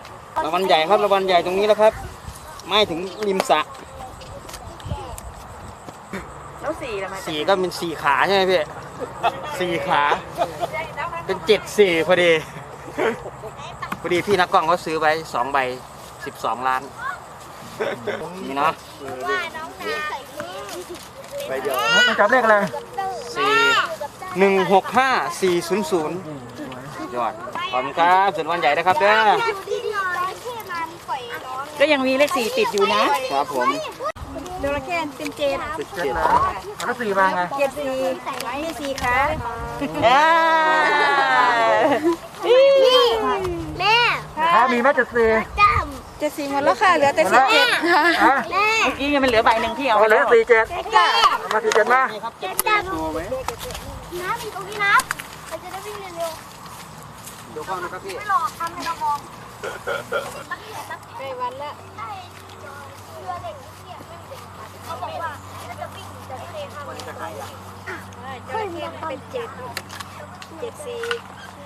รางวัลใหญ่ครับรางวัลใหญ่ตรงนี้แล้วครับไม่ถึงริมสระแล้วสี่ละมา 4ก็เป็น4ขาใช่ไหมพี่4ขาเป็น7-4พอดีพอดีพี่นักกล้องเขาซื้อไว้2ใบ12 ล้านนี่เนาะใบเดียวมันจับเลขอะไร 4165400ยอดขอบคุณครับส่วนวันใหญ่นะครับเด้อก็ยังมีเลขสี่ติดอยู่นะครับผมจระเข้เป็นเจ็ด 7เหรอแล้ว4มาไงเจ็ดสี่ให้สี่ขาแม่ถ้ามีแม่7 4 เจ็ดสี่หมดแล้วค่ะเหลือแต่สิบเจ็ดค่ะฮะแม่เมื่อกี้ยังมันเหลือใบหนึ่งที่เอาเอาไปเหลืแล้อว 4 7มา4 7มาเจ็ดจับน้ำอยู่ตรงนี้นะเราจะได้วิ่งเร็วดูกล้องนะครับพี่ๆไม่รอทำให้เรามองใกล้วันละใช่เรือเด็กเนี่ยไม่มีเด็กเขาบอกว่าเราจะวิ่งจะเตะข้ามมันจะใครอ่ะจระเข้มันเป็นเจ็ดเจ็ดสี่